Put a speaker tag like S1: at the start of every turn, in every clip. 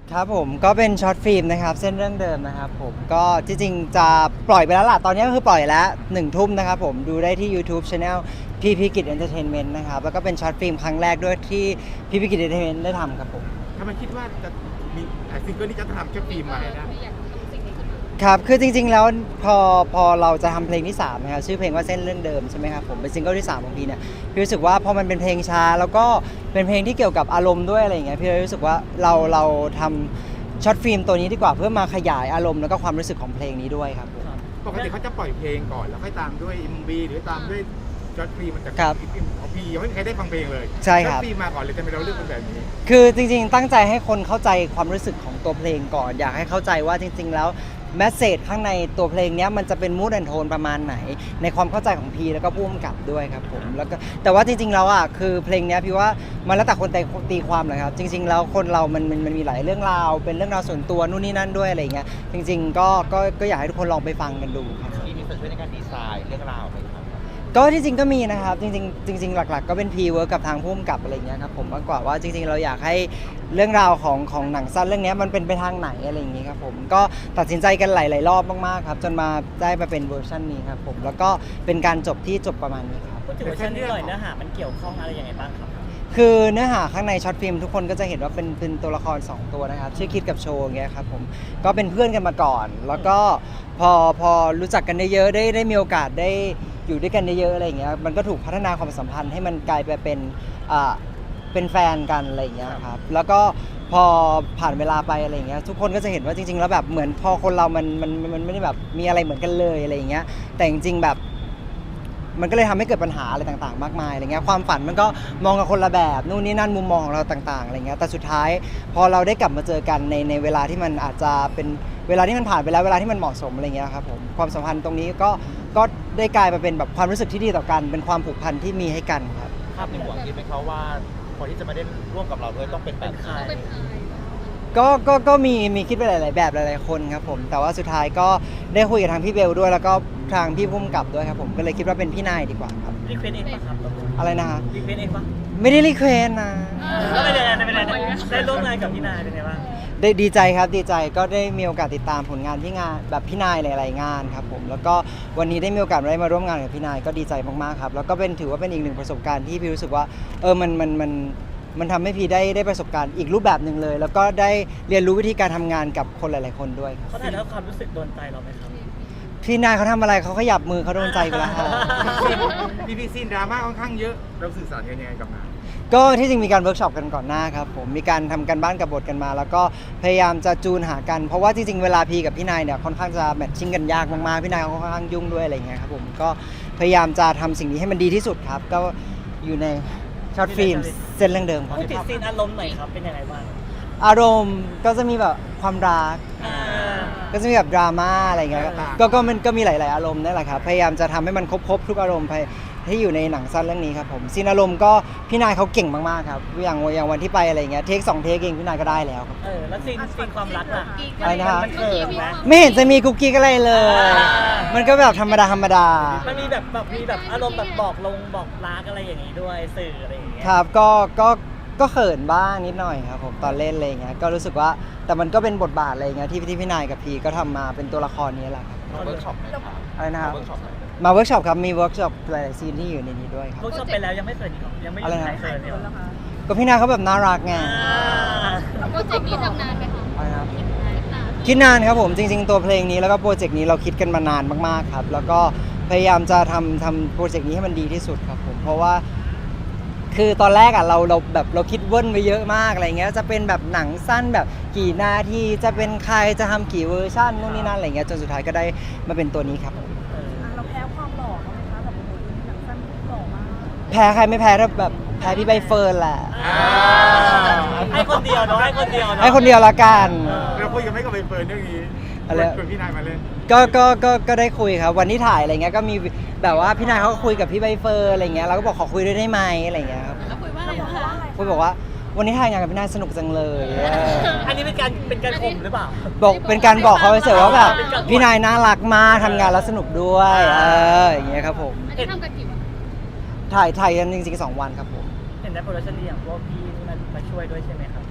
S1: ครับผมก็เป็นช็อตฟิล์มนะครับเส้นเรื่องเดิมนะครับผมก็ที่จริงจะปล่อยไปแล้วล่ะตอนนี้ก็คือปล่อยแล้ว1 ทุ่มนะครับผมดูได้ที่ YouTube Channel พี่พิกิจเอนเตอร์เทนเมนต์นะครับแล้วก็เป็นช็อตฟิล์มครั้งแรกด้วยที่พี่พิกิจเอนเตอร์เทนเมนต์ได้ทำครับผม
S2: ถ้ามันคิดว่าจะมีซิงเกิลนี้จะทำแค่ฟิล์มมาให้ได้
S1: ครับคือจริงๆแล้วพอเราจะทำเพลงที่3นะครับชื่อเพลงว่าเส้นเรื่องเดิมใช่ไหมครับผมเป็นซิงเกิลที่3ของพี่เนี่ยพี่รู้สึกว่าพอมันเป็นเพลงช้าแล้วก็เป็นเพลงที่เกี่ยวกับอารมณ์ด้วยอะไรอย่างเงี้ยพี่เลยรู้สึกว่าเราทำช็อตฟิล์มตัวนี้ดีกว่าเพื่อมาขยายอารมณ์แล้วก็ความรู้สึกของเพลงนี้ด้วยครับผม
S2: ปกติเขาจะปล่อยเพลงก่อนแล้วค่อยตามด้วย MV หรือตามด้วยจอร์จฟิล์มมันจะ
S1: ครับ
S2: ของพี่ยังไม่มีใครได้ฟังเพลงเลย
S1: ใช่ครับ
S2: จอร์จฟิล์มมาก่อนเลยทำไมเราเลือกเป็นแบบนี้
S1: คือจริงๆตั้งใจให้คนเข้าใจความรู้สึกของตัวเพลงก่อนอยากให้เข้าใจว่าจริงๆแล้วแมสเซจข้างในตัวเพลงนี้มันจะเป็นมูดแอนโทนประมาณไหนในความเข้าใจของพีแล้วก็ผู้กำกับด้วยครับผมแล้วก็แต่ว่าจริงๆแล้วอ่ะคือเพลงนี้พี่ว่ามันแล้วแต่คนตีความเลยครับจริงๆแล้วคนเรามันมีหลายเรื่องราวเป็นเรื่องราวส่วนตัวนู่นนี่นั่นด้วยอะไรอย่างเงี้ยจริงๆก็อยากให้ทุกคนลองไปฟังกันดูครับ
S3: มีส่วนช่วยในการดีไซน์เรื่องราวไหมครับ
S1: ก็ที่จริงก็มีนะครับจริงๆหลักๆก็เป็นพีเวิร์กกับทางผู้กำกับอะไรเงี้ยครับผมมากกว่าว่าจริงๆเราอยากให้เรื่องราวของหนังสั้นเรื่องนี้มันเป็นไปทางไหนอะไรอย่างงี้ครับผมก็ตัดสินใจกันหลายๆรอบมากๆครับจนมาได้มาเป็นเวอร์ชันนี้ครับผมแล้วก็เป็นการจบที่จบประมาณนี้ครับ
S4: พูดถึงเวอร์ชันนี้หน่อยเนื้อหามันเกี่ยวข้องอะไรยังไงบ้างครับ
S1: คือเนื้อหาข้างในช็อตฟิล์มทุกคนก็จะเห็นว่าเป็นตัวละคร2ตัวนะครับชื่อคิดกับโชว์อย่างเงี้ยครับผมก็เป็นเพื่อนกันมาก่อนแล้วก็พอรู้จักกันได้เยอะได้มีโอกาสได้อยู่ด้วยกันเยอะๆอะไรอย่างเงี้ยมันก็ถูกพัฒนาความสัมพันธ์ให้มันกลายไปเป็นแฟนกันอะไรอย่างเงี้ยครับแล้วก็พอผ่านเวลาไปอะไรอย่างเงี้ยทุกคนก็จะเห็นว่าจริงๆแล้วแบบเหมือนพอคนเรามันไม่ได้แบบมีอะไรเหมือนกันเลยอะไรอย่างเงี้ยแต่จริงๆแบบมันก็เลยทำให้เกิดปัญหาอะไรต่างๆมากมายอะไรเงี้ยความฝันมันก็มองกับคนละแบบนู่นนี่นั่นมุมมองของเราต่างๆอะไรเงี้ยแต่สุดท้ายพอเราได้กลับมาเจอกันในเวลาที่มันอาจจะเป็นเวลาที่มันผ่านไปแล้วเวลาที่มันเหมาะสมอะไรเงี้ยครับผมความสัมพันธ์ตรงนี้ก็ได้กลายมาเป็นแบบความรู้สึกที่ดีต่อกันเป็นความผูกพันที่มีให้กันครับ
S3: ภาพในหัวคิดไหมครับว่าคนที่จะมาเล่นร่วมกับเราด้วยต้องเป็นแบบไหน
S1: ก็มีคิดไปหลายๆแบบหลายๆคนครับผมแต่ว่าสุดท้ายก็ได้คุยกับทางพี่เบลด้วยแล้วก็ทางพี่พุ่มกับด้วยครับผมก็เลยคิดว่าเป็นพี่นายดีกว่าครับ
S4: รีเควสเองปะครับ
S1: อะไรนะฮะ
S4: รีเควสเองปะ
S1: ไม่ได้รีเควสนะ
S4: แล้วเป็นยังไงได้ร่วมงานกับพี่นายเป็นไงบ้าง
S1: ได้ดีใจครับดีใจก็ได้มีโอกาสติดตามผลงานที่งานแบบพี่นายหลายๆงานครับผมแล้วก็วันนี้ได้มีโอกาสได้มาร่วมงานกับพี่นายก็ดีใจมากๆครับแล้วก็ถือว่าเป็นอีกหนึ่งประสบการณ์ที่พี่รู้สึกว่ามันทำให้พี่ได้ประสบการณ์อีกรูปแบบหนึ่งเลย แล้วก็ได้เรียนรู้วิธีการทำงานกับคนหลายๆคนด้วย
S4: เขาถ่ายทอดความรู้สึกโดนใจเราไหมครับ
S1: พี่นายเขาทำอะไรเขาขยับมือเขาโดนใจไปแล้วฮะ
S2: พีซีนดราม่าค่อนข้างเยอะเราสื่อสารกันยังไงกับงาน
S1: ก็ที่จริงมีการเวิร์กช็อปกันก่อนหน้าครับผมมีการทำกันบ้านกับบทกันมา แล้วก็พยายามจะจูนหากันเพราะว่าจริงๆเวลาพีกับพี่นายเนี่ยค่อนข้างจะแมทชิ่งกันยากมากๆพี่นายเขาค่อนข้างยุ่งด้วยอะไรเงี้ยครับผมก็พยายามจะทำสิ่งนี้ให้มันดีที่สุดครับก็อยู่ในช็อตฟิล์มเส้นเรื่องเดิมครับ
S4: พูดถึงซีนอารมณ์หน่อยครับเป็นยังไงบ้าง
S1: อารมณ์ก็จะมีแบบความรักก็จะมีแบบดราม่าอะไรเงี้ยมันก็มีหลายๆอารมณ์นั่นแหละครับพยายามจะทำให้มันครบทุกอารมณ์ที่อยู่ในหนังสั้นเรื่องนี้ครับผมซีนอารมณ์ก็พี่นายเขาเก่งมากๆครับอย่างวันที่ไปอะไรเงี้ยเทค2 เทคเองพี่นายก็ได้แล้วครับ
S4: แล้วซีนความรักล่ะ
S1: อะไรนะครับ
S4: มันเขินไหม
S1: ไม่เห็นจะมีกุ๊กกิ๊กอะไรเลยมันก็แบบธรรมดา
S4: มันมีแบบอารมณ์แบบบอกรักอะไรอย่างงี้ด้วยสื่ออะไรอย่างเงี้ย
S1: ครับก็เขินบ้างนิดหน่อยครับผมตอนเล่นอะไรเงี้ยก็รู้สึกว่าแต่มันก็เป็นบทบาทอะไรเงี้ยที่พี่นายกับพีก็ทำมาเป็นตัวละครนี้แหละครับ
S3: มาเวิร์กช็อปไหม
S1: อะไรนะครับ
S3: เวิร์กช็อปไหม
S1: มาเวิร์กช็อปครับมีเวิร์กช็อปหลายๆซีนที่อยู่ในนี้ด้วยครับ
S4: เวิร์กช็อปไปแล้วยังไม่เขินอีกหรอยังไม่มีใครเขินเลยหรอ
S1: ก็พี่นายเขาแบบน่ารักไง
S5: โปรเจกต์นี้ทำนานไหมคะ
S1: อะไรครับคิดนานครับผมจริงๆตัวเพลงนี้แล้วก็โปรเจกต์นี้เราคิดกันมานานมากๆครับแล้วก็พยายามจะทำโปรเจกต์นี้ให้มันดีที่สุดครับผมเพราะว่าคือตอนแรกอ่ะเราคิดเวิ้นไปเยอะมากอะไรเงี้ยจะเป็นแบบหนังสั้นแบบกี่นาทีจะเป็นใครจะทำกี่เวอร์ชันนู่นนี่นั่นอะไรเงี้ยจนสุดท้ายก็ได้มาเป็นตัวนี้ครับ
S5: เราแพ้ความหล่อเขาไหมคะแบบโอ้โหหนังสั้นหล่อมาก
S1: แพ้ใครไม่แพ้ถ้าแบบแพ้พี่ใบเฟิร์นแหละ
S4: ให้คนเดียวเนาะให้คนเดียว
S1: ละกัน
S2: เราคุยกันไม่กับใบเฟิร์นเรื่องนี้ชวนพี่นายมาเล่น
S1: ก็ได้คุยครับวันที่ถ่ายอะไรเงี้ยก็มีแบบว่าพี่นายเขาก็คุยกับพี่ใบเฟิร์นอะไรเงี้ยเราก็บอกขอคุยด้วยได้ไหมอะไรเงี้ยครับ
S5: แล้วคุยว่าอะไรคะ
S1: คุยบอกว่าวันนี้ถ่ายงานกับพี่นายสนุกจังเลย
S4: อันนี้เป็นการข่มหรือเปล่า
S1: บอกเป็นการบอกเขาไปเฉยว่าแบบพี่นายน่ารักมากทำงานแล้วสนุกด้วยอย่างเงี้ยครับผม
S5: อันนี้ทำกันกี่วัน
S1: ถ่ายกันจริงๆ2 วันครับผม
S4: เห็นได้โปรดักชั่นดีอย่างพวกพี่มาช่วยด้วยใช่ไหมครับ
S1: ใ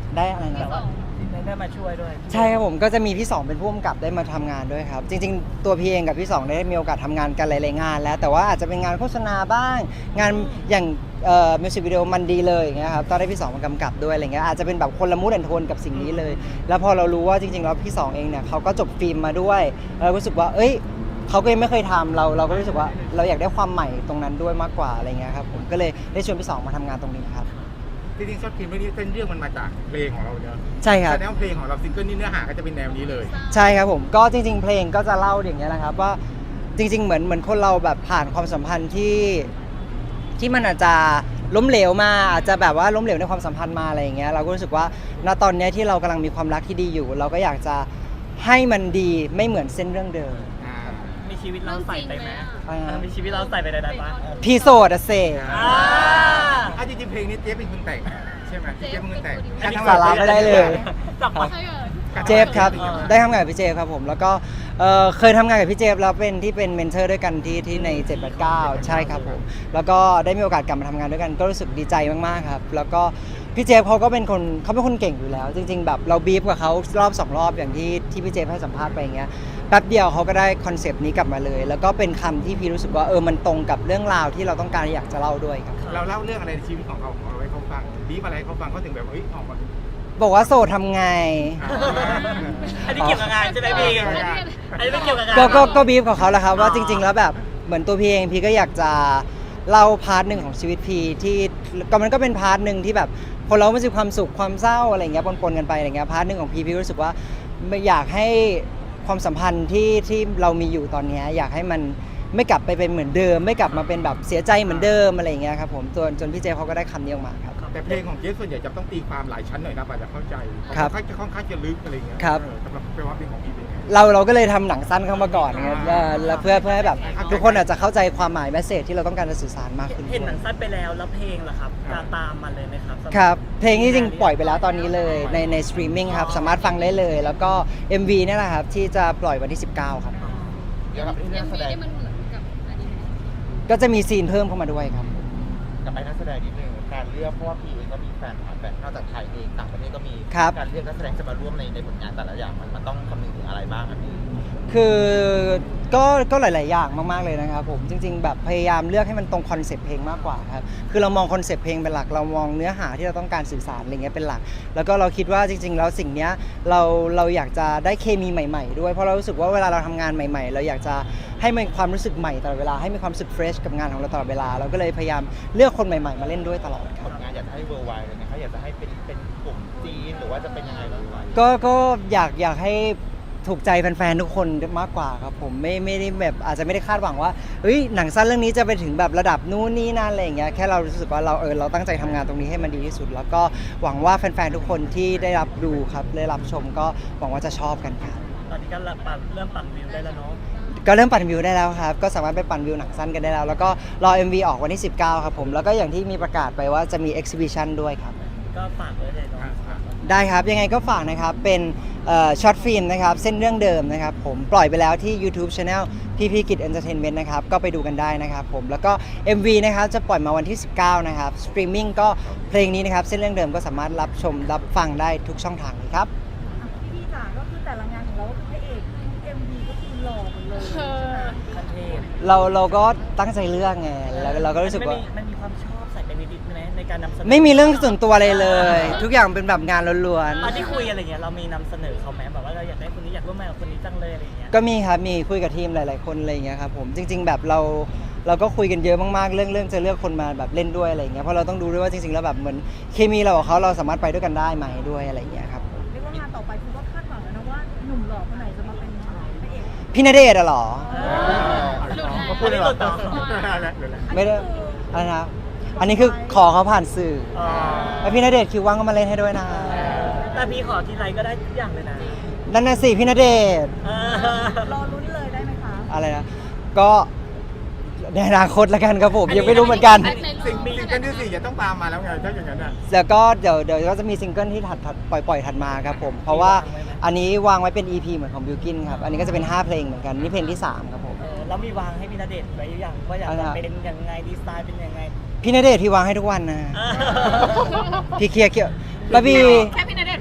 S1: ได้อะไรนะ
S4: แต่ว่าได้มาช่วยด้วย
S1: ใช่ครับผมก็จะมีพี่สองเป็นผู้กำกับได้มาทำงานด้วยครับ จริงๆ ตัวพี่เองกับพี่สองได้มีโอกาสทำงานกันหลายๆงานแล้วแต่ว่าอาจจะเป็นงานโฆษณาบ้าง งานอย่างมิวสิกวิดีโอมันดีเลยอย่างเงี้ยครับตอนได้พี่สองมากำกับด้วยอะไรเงี้ยอาจจะเป็นแบบคนละมูดแอนโทนกับสิ่งนี้เลย แล้วพอเรารู้ว่าจริงๆแล้วพี่สองเองเนี่ยเขาก็จบฟิล์มมาด้วยเรารู้สึกว่าเอ้ยเขาก็ยังไม่เคยทำเราก็รู้สึกว่าเราอยากได้ความใหม่ตรงนั้นด้วยมากกว่าอะไรเงี้ยครับผมก็เลยได้ชวนพี่สองมาทำงานตรงนี้ครับ
S2: จริงๆช็อตฟิล์มเรื่องนี้เส้นเรื่องมันมาจากเพลงของเราเนอะ
S1: ใช่ครับ
S2: แสดงว่าเพลงของเราซิงเกิลนี้เนื้อหาก็จะเป็นแนวนี้เลย
S1: ใช่ครับผมก็จริงๆเพลงก็จะเล่าอย่างเงี้ยนะครับว่าจริงๆเหมือนคนเราแบบผ่านความสัมพันธ์ที่มันอาจจะล้มเหลวมาอาจจะแบบว่าล้มเหลวในความสัมพันธ์มาอะไรอย่างเงี้ยเราก็รู้สึกว่าณตอนเนี้ยที่เรากำลังมีความรักที่ดีอยู่ เราก็อยากจะให้มันดีไม่เหมือนเส้นเรื่องเดิม
S4: มีชีวิตเราใส่ไปไหม
S1: อ่า
S4: มีชีวิตเราใส่ไปในนั้นปะ
S1: พี่โสดอะเซ
S2: จริงๆเพลงนี้เจ๊เป็นคนแต่งใช่ไหมเจ๊เป็นคนแต่ง
S1: สาระไม่ได้เลย
S4: จับปะ
S1: เจฟครับได้ทำงานกับพี่เจฟครับผมแล้วก็เคยทำงานกับพี่เจฟแล้วเป็นที่เป็นเมนเทอร์ด้วยกันที่ใน 789 ใช่ครับผมแล้วก็ได้มีโอกาสกลับมาทำงานด้วยกันก็รู้สึกดีใจมากๆครับแล้วก็พี่เจฟเขาก็เป็นคนเก่งอยู่แล้ว จริงๆแบบเราบีฟกับเขารอบ2รอบอย่างที่พี่เจฟให้สัมภาษณ์ไปอย่างเงี้ยแป๊บเดียวเขาก็ได้คอนเซปต์นี้กลับมาเลย แล้วก็เป็นคำที่พี่รู้สึกว่ามันตรงกับเรื่องราวที่เราต้องการอยากจะเล่าด้วยครับ
S2: เราเล่าเรื่องอะไรในชีวิตของเขาให้เขาฟังบีบอะไรให้เขาฟังเขาถึงแบบออกมา
S1: บอกว่าโสดทำไง
S4: อันนี้เกี่ยวกับงานใช่ไหมพี่อันนี้ไม่เกี่ยวกับงาน
S1: ก็บีฟกับเขาแหละครับว่าจริง ๆ แล้วแบบเหมือนตัวพี่เองพี่ก็อยากจะเล่าพาร์ทหนึ่งของชีวิตพี่ที่ก็มันก็เป็นพาร์ทหนึ่งที่แบบคนเราไม่มีความสุขความเศร้าอะไรเงี้ยปนๆกันไปอะไรเงี้ยพาร์ทหนึ่งของพี่รู้สึกว่าไม่อยากให้ความสัมพันธ์ที่เรามีอยู่ตอนเนี้ยอยากให้มันไม่กลับไปเป็นเหมือนเดิม ไม่กลับมาเป็นแบบเสียใจเหมือนเดิมอะไรเงี้ยครับผมจนพี่เจเขาก็ได้คำนี้ออกมาครับ
S2: แต่เพลงของเจ๊ส่วนใหญ่จะต้องตีความหลายชั้นหน่อยนะกว่าจะเข้าใจ
S1: ครับ
S2: เขาค่อนข้างจะลึกอะไรเงี้ย
S1: ครับ
S2: สำหรับเพลงว่าเพลงของพี่เป็นไง
S1: เราก็เลยทำหนังสั้นเข้ามาก่อนนะครับแล้วเพื่อให้แบบทุกคนอาจจะเข้าใจความหมายแมสเสจที่เราต้องการจะสื่อสารมากขึ้น
S4: เห็นหนัง
S1: ด้วย
S4: สั้นไปแล้วแล้วเพลงล่ะครับจะตามมาเลยไหมครับ
S1: ครับเพลงนี้จริงปล่อยไปแล้วตอนนี้เลยในสตรีมมิ่งครับสามารถฟังได้เลย แล้วก็ MV เนี่ยแหละครับที่จะปล่อยวันที่ 19 ครับ
S3: เกี่ยวกับเรื่องแสดง
S6: มันเหมือนกับอนิเมะ
S1: ก็จะมีซีนเพิ่มเข้ามาด้วยครับ
S3: กับไปนักแสดงนิดนึงการเลือกเพราะว่าพี่เองก็มีแฟนนอกจากไทยเองต่างประเทศก็มี
S1: ครับ
S3: การเลือกนักแสดงจะมาร่วมในผลงานแต่ละอย่างมันต้องคำนึงถึงอะไรบ้างครับพี่
S1: คือก็หลาย ๆ อย่างมาก ๆ เลยนะครับผมจริง ๆ แบบพยายามเลือกให้มันตรงคอนเซปต์เพลงมากกว่าครับคือเรามองคอนเซปต์เพลงเป็นหลักเรามองเนื้อหาที่เราต้องการสื่อสารอะไรเงี้ยเป็นหลัก แล้วก็เราคิดว่าจริง ๆ แล้วสิ่งเนี้ยเราอยากจะได้เคมีใหม่ ๆ ด้วยเพราะเรารู้สึกว่าเวลาเราทำงานใหม่ ๆ เราอยากจะให้มันความรู้สึกใหม่ตลอดเวลาให้มีความรู้สึกเฟรชกับงานของเราตลอดเวลาเราก็เลยพยายามเลือกคนใหม่ ๆ มาเล่นด้วยตลอดค
S3: ผ
S1: รับ
S3: ลงานอยากจะให้เวอร์ไวเลยนะครับอยากจะให้เป็นกลุ่มจีนหรือว่าจะเป็นยังไงบ้าง
S1: ก็อยากให้ถูกใจแฟนๆทุกคนมากกว่าครับผมไม่ได้แบบอาจจะไม่ได้คาดหวังว่าเฮ้ยหนังสั้นเรื่องนี้จะไปถึงแบบระดับนู้นนี่นั่นอะไรอย่างเงี้ยแค่เรารู้สึกว่าเราตั้งใจทำงานตรงนี้ให้มันดีที่สุด แล้วก็หวังว่าแฟนๆทุกคนที่ได้รับดูครับได้รับชมก็หวังว่าจะชอบกันครับ
S4: ตอนนี้ก็เริ่มปั่นวิวได้แล้วเนาะ
S1: ก็เริ่มปั่นวิวได้แล้วครับก็สามารถไปปั่นวิวหนังสั้นกันได้แล้วแล้วก็รอ MV ออกวันที่ 19 ครับผมแล้วก็อย่างที่มีประกาศไปว่าจะมี Exhibition ด้วยครับ
S4: ก็ฝากไว้เลยเนาะ
S1: ได้ครับยังไงก็ฝากนะครับเป็นช็อตฟิล์มนะครับเส้นเรื่องเดิมนะครับผมปล่อยไปแล้วที่ YouTube Channel พี่กิจ Entertainment นะครับก็ไปดูกันได้นะครับผมแล้วก็ MV นะครับจะปล่อยมาวันที่ 19 นะครับสตรีมมิ่งก็เพลงนี้นะครับเส้นเรื่องเดิมก็สามารถรับชมรับฟังได้ทุกช่องทางเลยครับ
S5: พี่จ๋าก็คือแต่ละงานของเราพระเอกMVก็คือหล่อหมดเลยใช่ไหม
S4: คันเทพ
S1: เราก็ตั้งใจเลือกไงแล้วเราก็รู้สึกว่า
S4: มันมีความชอบใส่ไปนิดๆไหมในการนำเสนอ
S1: ไม่มีเรื่องส่วนตัวอะไรเลย ทุกอย่างเป็นแบบงานล้วน
S4: ตอนที่คุยอะไรเงี้ยเรามีนำเสนอเขาไหมแบบว่าเราอยากได้คนนี้อยากร่วมงานกับคนนี้จังเลยอะไรเงี้ย
S1: ๆก็มีครับมีคุยกับทีมหลายๆคนอะไรอย่างเงี้ยครับผมจริง ๆ แบบเราก็คุยกันเยอะมากๆเรื่องจะเลือกคนมาแบบเล่นด้วยอะไรอย่างเงี้ยเพราะเราต้องดูด้วยว่าจริงๆแล้วแบบเหมือนเคมีเรากับเขาเราสามารถไปด้วยกันได้ไหมด้วยอะไรอย่างเงี้ยครับ
S5: เรียกว่างานต่อไปคือว่าคาดหวังแล้วนะว่าหนุ่มหล่อคนไหนจะมาเป็นพระเอก
S1: พี่ณเดชน์อะเหรอ
S3: ก็พูดเลยเหรอ
S1: ไม่ได้อะไรนะอันนี้คือขอเขาผ่านสื่อแล้วพี่ณเดชน์คิวว่างก็มาเล่นให้ด้วยนะ
S4: แต่พี่ขอทีไรก็ได้ทุกอย่างเลยนะ
S1: นั่นน่ะสิพี่ณเดชน์
S5: รอลุ้นเลยได้ไหมคะ
S1: อะไรนะก็ในอนาคตละกันครับผมยังไม่รู้เหมือนกัน
S2: สิ่งกันที่สี่จะต้องตามมาแล้วไงถ้าอย่างนั้นอ่ะ
S1: แล้วก็เดี๋ยวก็จะมีซิงเกิลที่ถัดปล่อยถัดมาครับผมเพราะว่าอันนี้วางไว้เป็น EP เหมือนของบิวกินครับอันนี้ก็จะเป็น5เพลงเหมือนกันนี่เพลงที่3ครับผม
S4: แล้วมีวางให้พี่ณเดชน์ไว้หรือยังว่าอยากจะเป็นยังไงดีไซน์เป็นยังไง
S1: พี่ณเดชน์ที่วางให้ทุกวันนะพี่เคลียร์ป้าบี
S6: แค่พี่ณเด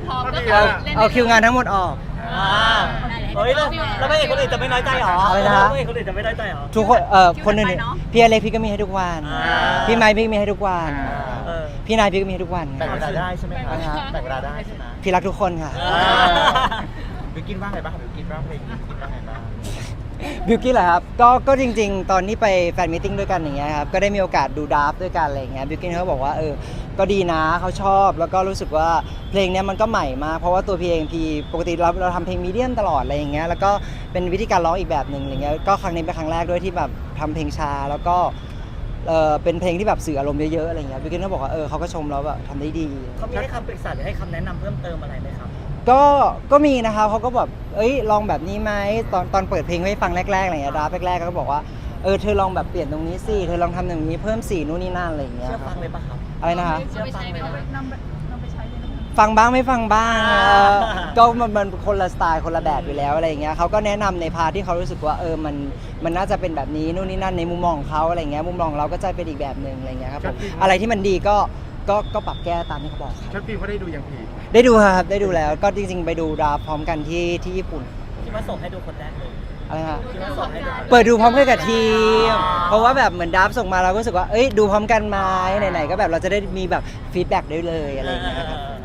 S6: พร้อมก็
S2: ก็ดี
S6: คือ
S2: แล้ว
S6: เล่น
S1: เอาคิวงานทั้งหมดออก
S4: เฮ้ยแล้วพระเอกคนอื่นจะไม่น้อยใจหรอ
S1: อะไรนะฮะ
S4: พระเอกคนอื่นจะไม่น้อยใจหรอ
S1: ทุกคนคนอื่นพี่อเล็กพี่ก็มีให้ทุกวัน
S4: อ่า
S1: พี่ไมค์พี่ก็มีให้ทุกวัน
S4: เออ
S1: พี่นายพี่ก็มีให้ทุกวัน
S3: แบ่งเวลาได้ใช่ไหมคะ
S1: อ่าฮะ
S3: แบ่งเวลาได้ใช่ไหม
S1: พี่รักทุกคนค่ะ
S3: บิวกินว่าไงบ้างบิวกินว่าเพลงนี้คิดว่าไงบ้าง
S1: บิวกี้เหรอครับก็จริง ๆ ตอนนี้ไปแฟนมิทติ้งด้วยกันอย่างเงี้ยครับก็ได้มีโอกาสดูดราฟต์ด้วยกันอะไรอย่างเงี้ยบิวกี้เขาบอกว่าก็ดีนะเขาชอบแล้วก็รู้สึกว่าเพลงเนี้ยมันก็ใหม่มากเพราะว่าตัวพี่เองพี่ปกติเราทำเพลงมีเดียมตลอดอะไรอย่างเงี้ยแล้วก็เป็นวิธีการร้องอีกแบบหนึ่งอะไรเงี้ยก็ครั้งนี้เป็นครั้งแรกด้วยที่แบบทำเพลงช้าแล้วก็เป็นเพลงที่แบบสื่ออารมณ์เยอะๆอะไรเงี้ยบิวกี้เขาบอกว่าเขาก็ชมแล้วแบบทำได้ดี
S4: เขามีให้คำปรึกษาหรือให้คำแนะนำเพิ่มเติมอะไรไหมครับ
S1: ก็มีนะครับเขาก็แบบลองแบบนี้ไหมตอนเปิดเพลงให้ฟังแรกๆอะไรเงี้ยดราฟแรกๆก็บอกว่าเธอลองแบบเปลี่ยนตรงนี้สิเธอลองทำอย่างนี้เพิ่มสีนู่นนี่นั่นอะไรอย่างเงี้ย
S4: เชื่อ
S1: ค
S4: ฟั
S1: รับ
S4: งเลยปะครับ
S1: อะไรนะฮะ
S6: เชื่อไปใช้ไหมคะ
S5: นำไปใช้เลยนะคะ
S1: ฟังบ้างไม่ฟังบ้าง
S4: อ่า
S1: ก็มันคนละสไตล์คนละแบบอยู่แล้วอะไรอย่างเงี้ยเขาก็แนะนำในพาร์ทที่เขารู้สึกว่ามันน่าจะเป็นแบบนี้นู่นนี่นั่นในมุมมองของเขาอะไรเงี้ยมุมมองเราก็จะเป็นอีกแบบหนึ่งอะไรเงี้ยครับผมอะไรที่มันดีก็ปรับแก้ตามที่เขาบอกครับ
S2: ช็อตฟิล์มเขาได้ดูยังพี่
S1: ได้ดูครับได้ดูแล้วก็จริงๆไปดูดราฟพร้อมกันที่ญี่ปุ่น
S4: ที่มาส่งให้ดูคนแรกเลย
S1: อะไรฮะ
S4: ที่มาส่งให้ดู
S1: เปิดดูพร้อมกันกับทีม เพราะว่าแบบเหมือนดับส่งมาเราก็รู้สึกว่าดูพร้อมกันไหมไหนๆก็แบบเราจะได้มีแบบฟีดแบ็กได้เลยอะไรอย่างเงี้ยครับ